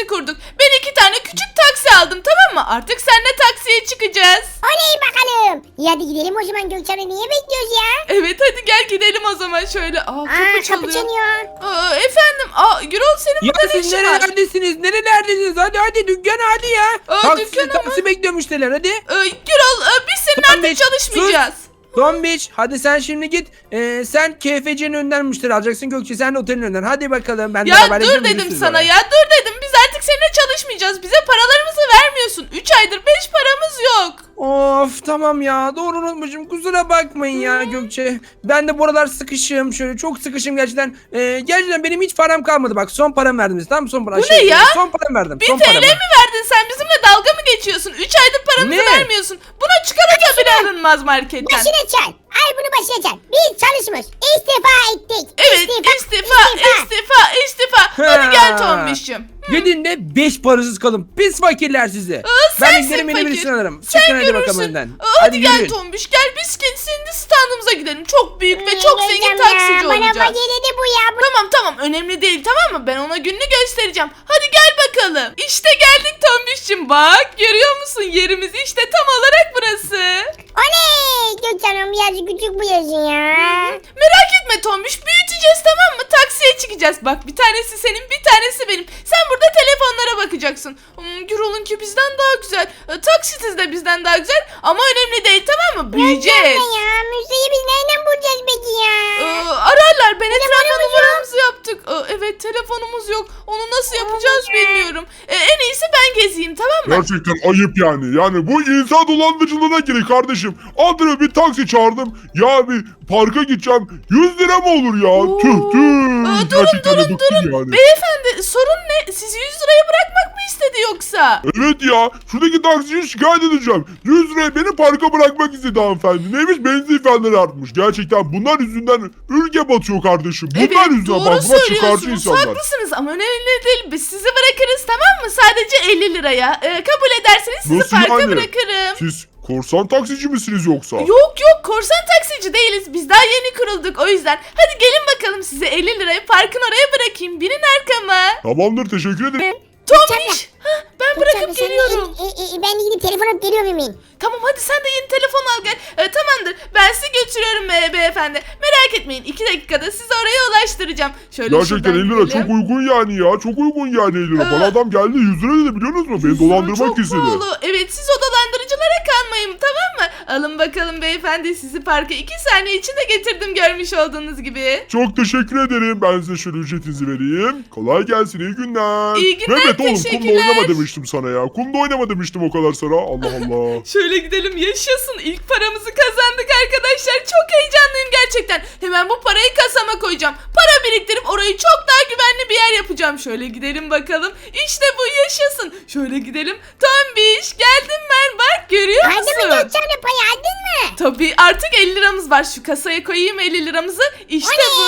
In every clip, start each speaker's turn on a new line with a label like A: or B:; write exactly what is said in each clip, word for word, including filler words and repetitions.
A: taksi kurduk. Ben iki tane küçük taksi aldım, tamam mı? Artık seninle taksiye çıkacağız.
B: Oley bakalım. İyi hadi gidelim o zaman Gökçen'le, niye bekliyoruz ya?
A: Evet hadi gel gidelim o zaman şöyle. Aa kapı
B: Aa
A: çalıyor.
B: kapı çalıyor.
A: Aa, efendim. Aa Gürol senin
C: Ya
A: burada ne
C: siz
A: işin var?
C: nerelerdesiniz? Nerelerdesiniz? Hadi hadi dükkan hadi ya.
A: Aa,
C: Taksi,
A: dükkana mı?
C: taksi bekliyor müşteriler hadi.
A: Ee, Gürol e, biz senin
C: Tamam,
A: artık
C: beş,
A: çalışmayacağız.
C: Tombiç hadi sen şimdi git. Ee, sen K F C'nin önünden müşteri alacaksın. Gökçe sen de otelin önünden. Hadi bakalım. Ben de
A: Ya
C: beraber
A: dur
C: gidelim,
A: dedim
C: görüşürüz
A: sana
C: oraya.
A: ya dur dedim. Biz artık seninle çalışmayacağız. Bize paralarımızı vermiyorsun. üç aydır beş paramız yok.
C: Of tamam ya doğru unutmuşum kusura bakmayın ya Gökçe. Ben de buralar sıkışım şöyle çok sıkışım gerçekten. Ee, gerçekten benim hiç param kalmadı bak son param verdim size, tamam mı? Son param.
A: Bu ne ya?
C: Son param verdim.
A: Bir
C: son
A: T L
C: paramı.
A: mi verdin sen? Bizimle dalga mı geçiyorsun? üç aydır paramızı
C: Ne?
A: vermiyorsun. Buna çikolata bile alınmaz marketten.
B: Başına çal. Ay bunu başına çal. Biz çalışmış. İstifa ettik.
A: Evet istifa istifa istifa. Hadi gel Tombiş'cim.
C: Gidin de beş parasız kalın. Pis fakirler sizi.
A: Aa,
C: ben
A: sensin
C: giderim yeni
A: fakir.
C: birisini alırım.
A: Sen
C: Çıkın hadi bakalım
A: görürsün.
C: önden.
A: Aa, hadi gel
C: yürüyün.
A: Tombiş gel biz kendi standımıza gidelim. Çok büyük ve çok
B: Hmm,
A: zengin
B: Gökçen
A: taksici
B: ya, Bana
A: olacağız.
B: fakirledi bu ya. Bu...
A: Tamam tamam önemli değil tamam mı? Ben ona gününü göstereceğim. Hadi gel bakalım. İşte geldik Tombiş'cim bak. Görüyor musun yerimizi işte tam olarak burası.
B: Oley. Gökçen Hanım birazcık küçük bu yazın ya.
A: Merak etme Tombiş büyüteceğiz tamam mı? Taksiye çıkacağız. Bak bir tanesi senin bir tanesi benim. Sen burada telefonlara bakacaksın. Hmm, Gürol'unki bizden daha güzel. E, taksitiz de bizden daha güzel. Ama önemli değil tamam mı? Büyüyeceğiz.
B: Gökçen ya müjdeyi biz nereden bulacağız peki ya?
A: Ee, ararlar. Ben etrafa
B: Telefonumuz
A: numaramızı yaptık. Ee, evet telefonumuz yok. Onu nasıl yapacağız bilmiyorum. Ee, en iyisi ben gezeyim tamam mı?
D: Gerçekten ayıp yani. Yani bu insan dolandırıcılığına giriyor kardeşim. Adına bir taksi çağırdım. Ya bir parka gideceğim. yüz lira mı olur ya?
A: Oo.
D: Tüh tüh.
A: Aa, durun
D: Gerçekten de
A: durun
D: bıktım
A: durun.
D: yani.
A: Beyefendi sorun ne? Sizi yüz liraya bırakmak mı istedi yoksa?
D: Evet ya. Şuradaki taksiyi şikayet edeceğim. yüz liraya beni parka bırakmak istedi hanımefendi. Neymiş benzin fiyatları artmış. Gerçekten bunlar yüzünden ülke batıyor kardeşim. Bunlar
A: Evet
D: yüzünden
A: doğru
D: bak buna çıkarcı
A: söylüyorsunuz.
D: insanlar.
A: Haklısınız ama önemli değil. Biz sizi bırakırız tamam mı? Sadece elli liraya. Ee, kabul ederseniz sizi
D: Nasıl
A: parka
D: yani?
A: bırakırım.
D: Siz korsan taksici misiniz yoksa?
A: Yok yok korsan taksici değiliz. Biz daha yeni kurulduk o yüzden. Hadi gelin bakalım size elli liraya parkın oraya bırakayım. Binin arkama.
D: Tamamdır teşekkür ederim.
A: Tombiş. Hah, ben bırakıp
B: Gökçen, sen de-
A: geliyorum.
B: E, e, e, ben de gidip telefon alıp geliyorum hemen.
A: Tamam hadi sen de yeni telefon al gel. Ee, tamamdır ben sizi götürüyorum be, beyefendi. Merak etmeyin iki dakikada sizi oraya ulaştıracağım. Şöyle
D: Gerçekten
A: şuradan
D: elli lira
A: gidelim.
D: çok uygun yani ya. Çok uygun yani elli lira.
A: Ee,
D: Bana adam geldi yüz lira dedi biliyorsunuz mu? Beni
A: Yüz lira
D: dolandırmak
A: çok
D: istedi.
A: pahalı. Evet siz o dolandırıcılara kanmayın tamam mı? Alın bakalım beyefendi sizi parka iki saniye içinde getirdim görmüş olduğunuz gibi.
D: Çok teşekkür ederim. Ben size şöyle ücretinizi vereyim. Kolay gelsin. İyi günler.
A: İyi günler,
D: Mehmet oğlum kumda
A: teşekkürler.
D: oynama demiştim sana ya. Kumda oynama demiştim o kadar sana. Allah Allah.
A: Şöyle gidelim yaşasın ilk paramızı kazandık arkadaşlar çok heyecanlıyım gerçekten. Hemen bu parayı kasama koyacağım. Para biriktirip orayı çok daha güvenli bir yer yapacağım. Şöyle gidelim bakalım. İşte bu yaşasın. Şöyle gidelim. Tombiş geldim ben bak görüyor
B: Aldın mı
A: musun?
B: Gökçen'le payı aldın mı?
A: Tabii artık elli liramız var. Şu kasaya koyayım elli liramızı. İşte bu.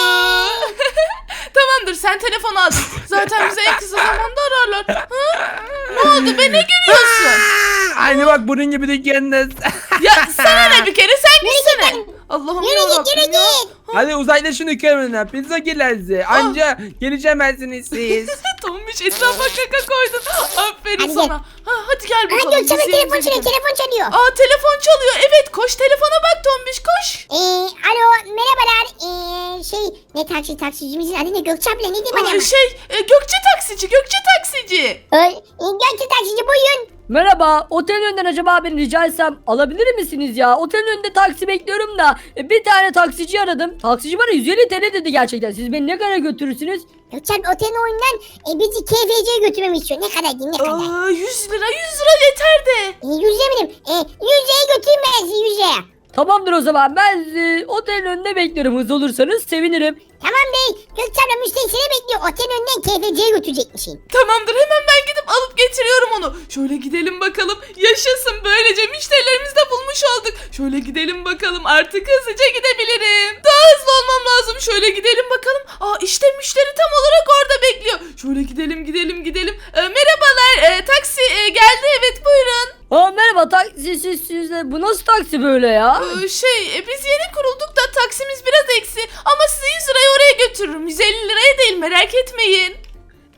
A: Tamamdır sen telefon aldın. Zaten bize en kısa zamanda ararlar. Ha? Ne oldu be ne gülüyorsun?
C: Aynı bak bunun gibi dükkanınız.
A: Ya sana ne bir kere sen gitsene. Allah'ım
B: Yürü git yürü
A: yarabbim ya.
B: git.
C: Hadi uzaklaşın dükkanından. Pizza gelirse.
A: Ah.
C: Anca geleceğimezsiniz siz.
A: Tombiş etrafa kaka koydun. Aferin
B: Hadi
A: sana. Ha, hadi gel
B: Aha
A: bakalım.
B: Gökçen'e
A: biz
B: telefon
A: yerimize
B: çalıyor
A: gidelim.
B: telefon çalıyor.
A: Aa telefon çalıyor. Evet koş telefona bak Tombiş koş.
B: Ee, alo merhabalar. Ee, şey ne taksi taksicimizin adı ne Gökçe abla ne diyeyim
A: Aa,
B: bana?
A: şey e, Gökçe taksici Gökçe taksici.
B: Ee, Gökçe taksici buyurun.
E: Merhaba, otelin önünden acaba beni rica etsem alabilir misiniz ya? Otelin önünde taksi bekliyorum da e, bir tane taksici aradım. Taksici bana yüz elli T L dedi gerçekten. Siz beni ne kadar götürürsünüz?
B: Gökçe abla otelin oyundan e, bizi K F C'ye götürmemi istiyor. Ne kadar değil ne kadar?
A: Aa, yüz lira yüz lira yeter de.
B: E, yüz lira benim. E, yüz liraya götüreyim ben sizi yüz liraya.
E: Tamamdır o zaman. Ben sizi otelin önünde bekliyorum. Hızlı olursanız sevinirim.
B: Tamam bey. Gökçe abla müşteri seni bekliyor. Otelin önünden K F C'ye götürecekmişsin.
A: Tamamdır hemen ben gidip alıp getiriyorum onu. Şöyle gidelim bakalım. Yaşasın böylece müşterilerimizi de bulmuş olduk. Şöyle gidelim bakalım artık hızlıca gidebilirim. Daha hızlı olmam lazım. Şöyle gidelim bakalım. Aa işte müşteri tam olarak orada bekliyor. Şöyle gidelim gidelim gidelim. Ee, merhabalar ee, taksi ee, geldi evet buyurun.
E: Aa merhaba taksi siz, siz de- bu nasıl taksi böyle ya?
A: Ee, şey e, biz yeni kurulduk da taksimiz biraz eksi. Ama size yüz liraya oraya götürürüm. yüz elli liraya değil merak etmeyin.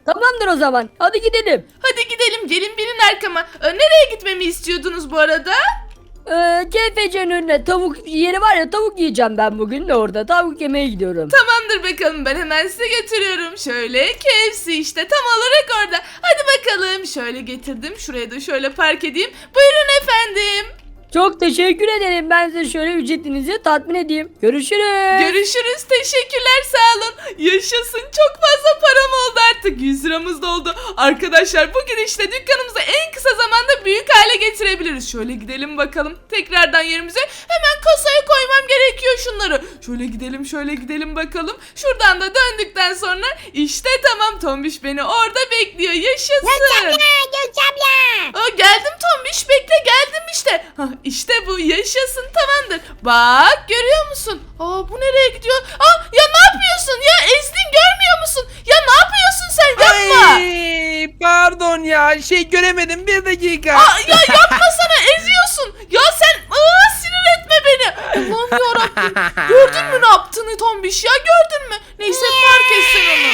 E: Tamamdır o zaman. Hadi gidelim.
A: Hadi gidelim, gelin binin arkama. Ee, nereye gitmemi istiyordunuz bu arada?
E: Ee, K F C'nin önüne tavuk yeri var ya, tavuk yiyeceğim ben bugün de orada. Tavuk yemeye gidiyorum.
A: Tamamdır bakalım, ben hemen size götürüyorum. Şöyle K F C işte tam olarak orada. Hadi bakalım, şöyle getirdim. Şuraya da şöyle park edeyim. Buyurun efendim.
E: Çok teşekkür ederim. Ben size şöyle ücretinizi tatmin edeyim. Görüşürüz.
A: Görüşürüz. Teşekkürler, sağ olun. Yaşasın, çok fazla param oldu artık. yüz liramız da oldu. Arkadaşlar bu gidişle dükkanımızı en kısa zamanda büyük hale getirebiliriz. Şöyle gidelim bakalım. Tekrardan yerimize hemen kasaya koymam gerekiyor şunları. Şöyle gidelim, şöyle gidelim bakalım. Şuradan da döndükten sonra işte tamam, Tombiş beni orada bekliyor. Yaşasın.
B: Gökçe abla.
A: Aa, geldim Tombiş, bekle, geldim işte. Hah, işte bu, yaşasın, tamamdır. Bak, görüyor musun? Aa, bu nereye gidiyor? Aa, ya ne yapıyorsun ya, ezdin, görmüyor musun? Ya ne yapıyorsun sen, yapma.
C: Ay, pardon ya şey göremedim bir dakika.
A: Aa, ya yapmasana, eziyorsun. Ya sen aa, sinir etme beni. Allah'ım yarabbim. Gördün mü ne yaptığını Tombiş ya, gördün mü? Neyse, fark etsin onu.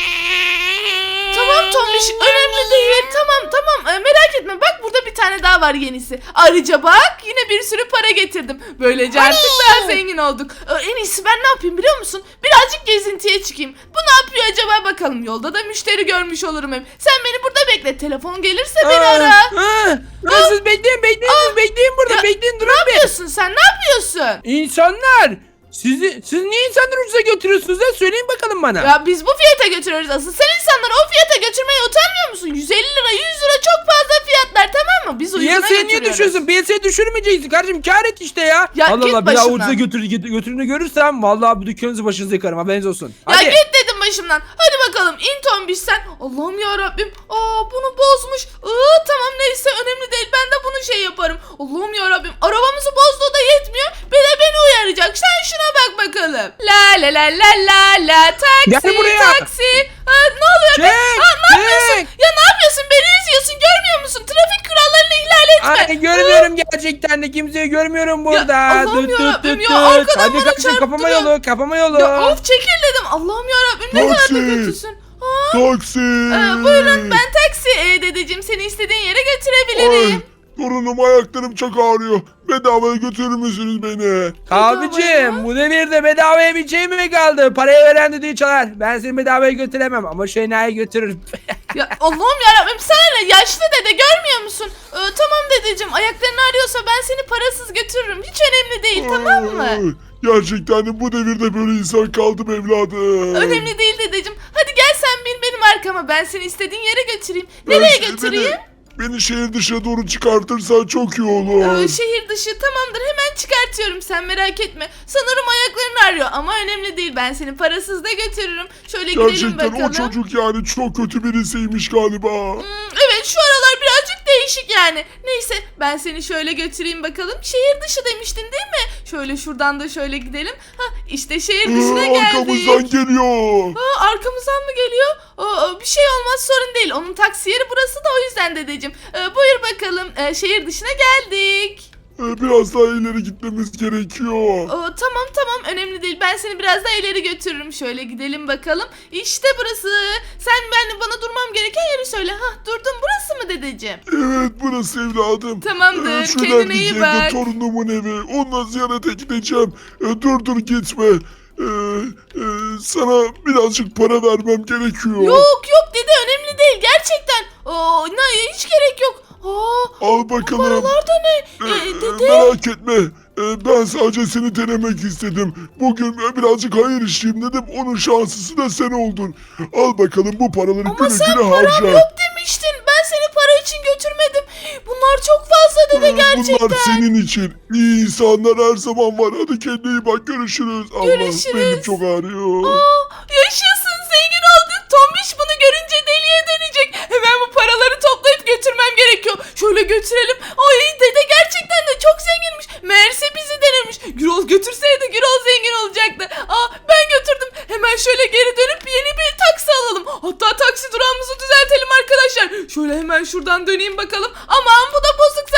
A: Tamam Tombiş, önemli değil. Tamam tamam, ee, merak etme, bak burada bir tane daha var, yenisi. Ayrıca bak, yine bir sürü para getirdim. Böylece artık daha zengin olduk. Ee, en iyisi ben ne yapayım biliyor musun? Birazcık gezintiye çıkayım. Bu ne yapıyor acaba bakalım. Yolda da müşteri görmüş olurum hem. Sen beni burada bekle, telefon gelirse beni ara.
C: Aa, aa, siz bekleyin bekleyin siz bekleyin burada
A: Ya,
C: bekleyin
A: Ne
C: durun bir.
A: yapıyorsun sen, ne yapıyorsun?
C: İnsanlar sizi siz niye insanları ucuza götürüyorsunuz ya söyleyin bakalım bana.
A: Ya biz bu fiyata götürüyoruz asıl. Sen insanları o fiyata götürmeye utanmıyor musun? yüz elli lira, yüz lira çok fazla fiyatlar, tamam mı? Biz ucuna
C: Piyasaya niye
A: götürüyoruz.
C: düşüyorsun? Piyasaya düşürmeyeceksin kardeşim, kar et işte ya.
A: Ya
C: Allah
A: git
C: Allah bir daha
A: başımdan.
C: ucuza götür, götür, götürünü görürsem vallahi bu dükkanınızı başınıza yıkarım, haberiniz olsun.
A: Ya
C: Hadi.
A: git dedim başımdan. Hadi bakalım, in Tombiş sen. Allah'ım ya Rabbim. Aa, bunu bozmuş. Aa, tamam neyse, önemli değil. Ben de bunu şey yaparım. Allah'ım ya Rabbim. Arabamızı bozduğu da yetmiyor. Bir de beni uyaracak. Sen şuna bak bakalım. La la la la la la taksi
C: Gel buraya.
A: taksi. Aa, ne oluyor be?
C: Çek,
A: Aa, ne yapıyorsun?
C: çek.
A: Ya ne yapıyorsun? Beni üzüyorsun. Görmüyor musun? Trafik kurallarını ihlal etme.
C: Ay görmüyorum gerçekten de kimseyi görmüyorum burada.
A: Allah'ım
C: Tüt, tüt,
A: yarabbim
C: tüt,
A: ya,
C: tüt.
A: arkadan
C: Hadi
A: bana
C: kardeşim kapama
A: çarptırıyor.
C: yolu kapama yolu.
A: Ya of, çekil dedim. Allah'ım ya Rabbim, ne kadar da
D: Taksi.
A: kötüsün. Aa,
D: Taksi.
A: Ee, buyurun, ben taksi ee, dedeciğim, seni istediğin yere
D: Ay,
A: götürebilirim.
D: torunum ayaklarım çok ağrıyor. Bedavaya götürür müsünüz beni?
C: Abicim bu devirde bedavaya bir şey mi kaldı? Parayı veren dediği çalar. Ben seni bedavaya götüremem ama şu enayi götürürüm.
A: Ya Allah'ım yarabbim, sana ne, yaşlı dede, görmüyor musun? Ee, tamam dedeciğim, ayakların ağrıyorsa ben seni parasız götürürüm. Hiç önemli değil, tamam mı?
D: Ay, gerçekten de bu devirde böyle insan kaldım evladım.
A: Önemli değil dedeciğim. Hadi gel sen bin benim arkama, ben seni istediğin yere götüreyim.
D: Ben
A: Nereye
D: şey-
A: götüreyim?
D: Beni, beni şehir dışına doğru çıkartırsan çok iyi olur.
A: Ee, şehir dışı, tamamdır, hemen çıkartıyorum, sen merak etme. Sanırım ayakların ağrıyor ama önemli değil, ben seni parasız da götürürüm. Şöyle gidelim
D: Gerçekten
A: bakalım.
D: o çocuk yani çok kötü birisiymiş galiba.
A: Hmm, evet, şu aralar birazcık değişik yani. Neyse, ben seni şöyle götüreyim bakalım. Şehir dışı demiştin değil mi? Şöyle şuradan da şöyle gidelim. Ha, işte şehir dışına
D: Ee,
A: geldik.
D: arkamızdan geliyor.
A: Aa, arkamızdan mı geliyor? Aa, bir şey olmaz, sorun değil. Onun taksi yeri burası da, o yüzden dedeciğim. Ee, buyur bakalım, ee, şehir dışına geldik.
D: Ee, biraz daha ileri gitmemiz gerekiyor.
A: Aa, tamam tamam, önemli değil, ben seni biraz daha ileri götürürüm. Şöyle gidelim bakalım. İşte burası. Sen ben bana durmam gereken yeri söyle. Hah, durdum, burası mı dedeciğim?
D: Evet burası evladım.
A: Tamamdır,
D: şu
A: kendine
D: ilerideki
A: iyi
D: evde
A: bak.
D: torunumun evi. Onunla ziyarete gideceğim. Ee, dur dur gitme. Ee, e, sana birazcık para vermem gerekiyor.
A: Yok yok dede, önemli değil gerçekten. Aa, ne, hiç gerek yok. Aa,
D: Al bakalım.
A: paralar da ne?
D: Ee,
A: Ee, dede.
D: merak etme. Ee, ben sadece seni denemek istedim. Bugün birazcık hayır işleyeyim dedim. Onun şanslısı da sen oldun. Al bakalım bu paraları
A: Ama
D: güle
A: sen
D: güle
A: param
D: harca.
A: yok demiştin. Ben seni para için götürmedim. Bunlar çok fazla dede,
D: Ee,
A: gerçekten.
D: Bunlar senin için. İyi insanlar her zaman var. Hadi kendine iyi bak. Görüşürüz. Allah
A: Görüşürüz.
D: benim çok ağrıyor.
A: Aa, yaşasın, zengin olduk. Tombiş bunu görünce deliye dönecek. Hemen bu paraları toplayıp götürmem gerekiyor. Şöyle götürelim. Ay, dede gerçekten de çok zenginmiş. Meğerse bizi denemiş. Gürol götürseydi Gürol zengin olacaktı. Aa, ben götürdüm. Hemen şöyle geri dönüp yeni bir taksi alalım. Hatta taksi durağımızı düzeltelim arkadaşlar. Şöyle hemen şuradan döneyim bakalım. Aman bu da bozuk zaten.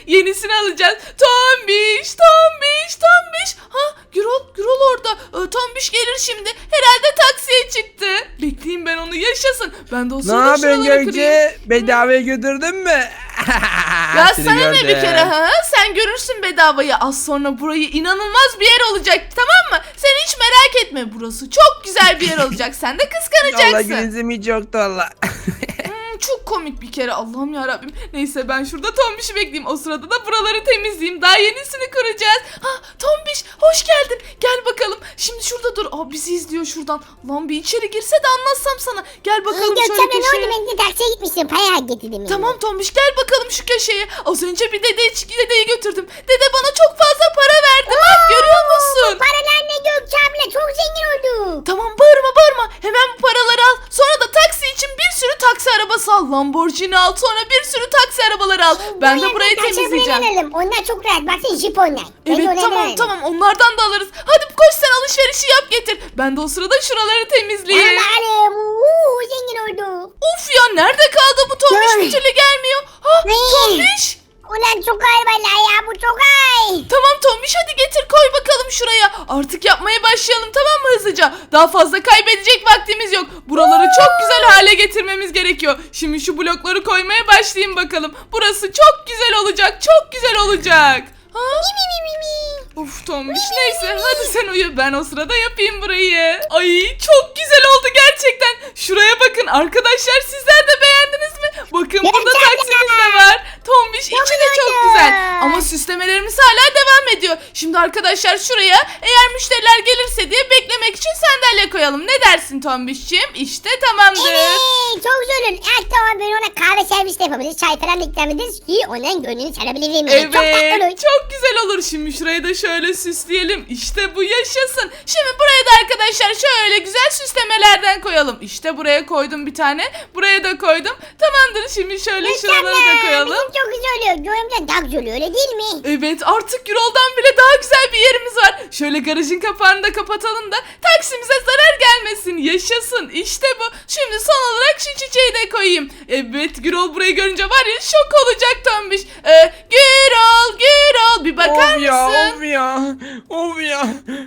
A: Yenisini alacağız. Tombiş, Tombiş, Tombiş. Ha, Gürol, Gürol orada. Ee, Tombiş gelir şimdi. Herhalde taksiye çıktı. Bekleyeyim ben onu, yaşasın. Ben de o
C: Ne
A: sırada
C: yapıyorsun
A: şuraları kırayım.
C: Gökçe? Bedavaya götürdün mü?
A: Ya
C: Seni
A: sana ne bir
C: gördüm.
A: kere ha? Sen görürsün bedavayı. Az sonra burayı inanılmaz bir yer olacak, tamam mı? Sen hiç merak etme. Burası çok güzel bir yer olacak. Sen de
C: Allah
A: kıskanacaksın.
C: gülünzüm hiç yoktu valla.
A: Hmm, çok komik bir kere. Allah'ım yarabbim. Neyse ben şurada Tombiş'i bekleyeyim. O sırada da buraları temizleyeyim. Daha yenisini kuracağız. Ha, Tombiş hoş geldin. Gel bakalım. Şimdi şurada dur. Aa, bizi izliyor şuradan. Lan bir içeri girse de anlatsam sana. Gel bakalım
B: Gökçe
A: şöyle
B: abla ne
A: köşeye.
B: oldu? Ben de taksiye gitmiştim. Para getirdim.
A: Tamam Tombiş, gel bakalım şu köşeye. Az önce bir dede, dedeyi götürdüm. Dede bana çok fazla para verdi. Bak görüyor musun?
B: Paralar ne Gökçe abla? Çok zengin oldu.
A: Tamam bağırma bağırma. Hemen bu paraları al. Sonra da taksi için bir sürü taksi arabası al. Lamborghini al. Sonra bir sürü taksi arabaları al. Ben de burayı temizleyeceğim.
B: Alalım. Onlar çok rahat. Baksana jip onlar. Ben de
A: Evet
B: onlardan
A: tamam
B: alayım.
A: tamam, onlardan da alırız. Hadi koş sen alışverişi yap getir. Ben de o sırada şuraları temizleyeyim.
B: Alalım. Uuu zengin oldu.
A: Of ya, nerede kaldı bu Tombiş,
B: Ay.
A: bir türlü gelmiyor. Ha
B: Ne?
A: Tombiş.
B: Ulan çok ağır vallahi ya. Bu çok ağır.
A: Tamam Tombiş, hadi getir koy bakalım şuraya. Artık yapmaya başlayalım, tamam mı, hızlıca? Daha fazla kaybedecek vaktimiz yok. Buraları çok güzel hale getirmemiz gerekiyor. Şimdi şu blokları koymaya başlayayım bakalım. Burası çok güzel olacak, çok güzel olacak. Ha? Uf Tombiş, neyse hadi sen uyu, ben o sırada yapayım burayı. Ay çok güzel oldu gerçekten. Şuraya bakın arkadaşlar, sizler de beğendiniz mi? Bakın burada
B: Gerçekten.
A: taksimiz de var. Tombiş içi de çok
B: güzel.
A: güzel. Ama süslemelerimiz hala devam ediyor. Şimdi arkadaşlar şuraya eğer müşteriler gelirse diye beklemek için sandalye koyalım. Ne dersin Tombiş'ciğim? İşte tamamdır.
B: Evet çok güzel olur. Evet tamam ben ona kahve servisi de yapabiliriz. Çay falan da ikram ederiz ki onun gönlünü çalabilirim. Yani. Çok tatlı
A: Evet,
B: olur.
A: çok güzel olur. Şimdi şurayı da şöyle süsleyelim. İşte bu yaşasın. Şimdi buraya da arkadaşlar şöyle güzel süslemelerden koyalım. İşte buraya koydum bir tane. Buraya da koydum. Tamamdır. Şimdi şöyle şuraları da koyalım.
B: Bizim çok güzel oluyor. Göğümden daha güzel oluyor öyle değil mi?
A: Evet, artık Gürol'dan bile daha güzel bir yerimiz var. Şöyle garajın kapağını da kapatalım da taksimize zarar gelmesin. Yaşasın. İşte bu. Şimdi son olarak şu çiçeği de koyayım. Evet, Gürol burayı görünce var ya şok olacak Tombiş. Ee, Gürol, Gürol bir bakar
C: Of ya,
A: mısın?
C: of ya, of ya.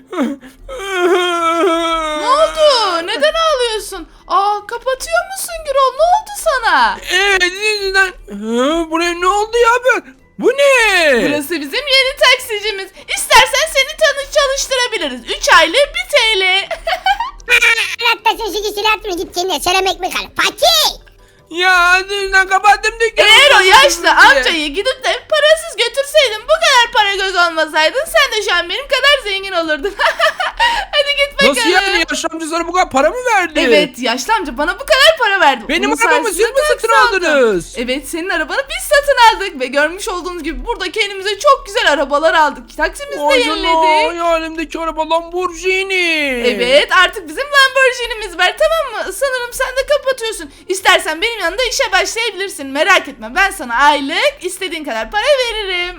A: Ne oldu? Neden ağlıyorsun? Aa, kapatıyor musun Gürol? Ne oldu sana?
C: Evet, yüzünden. Hı, buraya ne oldu ya böyle? Bu ne?
A: Burası bizim yeni taksicimiz. İstersen seni tanış çalıştırabiliriz. üç aylık bir T L.
B: Hatta sen şimdi silah atma git kendine selam ekmek al. Pati!
C: Ya yüzünden kapattım dükkanı.
A: Eğer o yaşlı
C: diye.
A: amcayı gidip de parasız götürseydin, bu kadar para göz olmasaydın, sen de şu an benim kadar zengin olurdun. Hadi git bakalım.
C: Nasıl yani, yaşlı amca sana bu kadar para mı verdi?
A: Evet, yaşlı amca bana bu kadar para verdi.
C: Benim
A: Onun
C: arabamı siz
A: sayesinde
C: mi satın
A: taksi aldım.
C: aldınız?
A: Evet, senin arabanı biz satın aldık ve görmüş olduğunuz gibi burada kendimize çok güzel arabalar aldık. Taksimizi de
C: Vay canına,
A: yeniledik.
C: hayalimdeki araba Lamborghini.
A: Evet, artık bizim Lamborghini'miz var, tamam mı? Sanırım sen de kapatıyorsun. İstersen benim yanında işe başlayabilirsin. Merak etme, ben sana aylık istediğin kadar para veririm.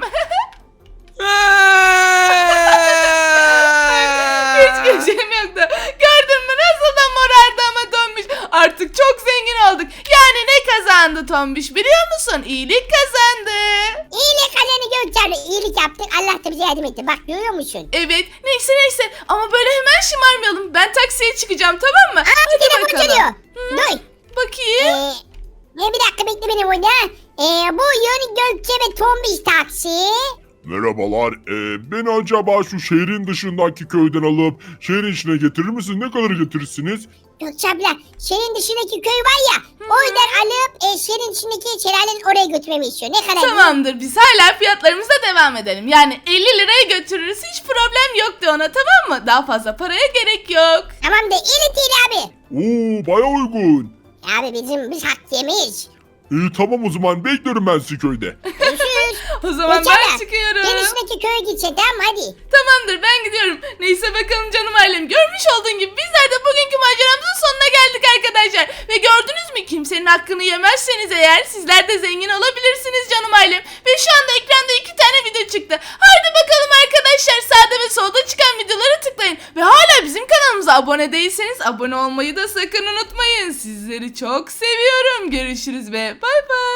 A: Hiç güleceğim yoktu. Gördün mü nasıl da morardı ama Tombiş. Artık çok zengin olduk. Yani ne kazandı Tombiş biliyor musun? İyilik kazandı.
B: İyilik kazanı Gökçe abla. İyilik yaptık. Allah da bize yardım etti. Bak görüyor musun?
A: Evet, neyse neyse ama böyle hemen şımarmayalım. Ben taksiye çıkacağım, tamam mı?
B: Aa bir telefon çalıyor. Dur.
A: Bakayım.
B: Ee, ne bir dakika bekle beni burada. Ee, bu yeni Gökçe ve Tombiş taksi.
D: Merhabalar. Ee, beni acaba şu şehrin dışındaki köyden alıp şehrin içine getirir misiniz? Ne kadar getirirsiniz?
B: Gökçe abla şehrin dışındaki köy var ya. O yüzden alıp e, şehrin içindeki şelalenin oraya götürmemi istiyor. Ne kadar?
A: Tamamdır, biz hala fiyatlarımıza devam edelim. Yani elli liraya götürürüz, hiç problem yok de ona, tamam mı? Daha fazla paraya gerek yok.
B: Tamam da elli T L abi.
D: Oo, baya uygun.
B: Abi bizim biz hak yemeyiz.
D: İyi tamam, o zaman bekliyorum ben sizi köyde.
B: Görüşürüz.
A: O zaman
B: Gökçe
A: ben
B: abla,
A: çıkıyorum.
B: Şehrin içindeki köye gidecek tamam mı? Hadi.
A: Tamamdır, ben gidiyorum. Neyse bakalım canım ailem. Görmüş olduğun gibi bizler de bugünkü maceramızın sonuna geldik arkadaşlar. Ve gördünüz mü, kimsenin hakkını yemezseniz eğer sizler de zengin olabilirsiniz canım ailem. Ve şu anda ekranda iki tane video çıktı. Haydi bakalım arkadaşlar, sağda ve solda çıkan videolara tıklayın. Ve hala bizim kanalımıza abone değilseniz abone olmayı da sakın unutmayın. Sizleri çok seviyorum. Görüşürüz ve bay bay.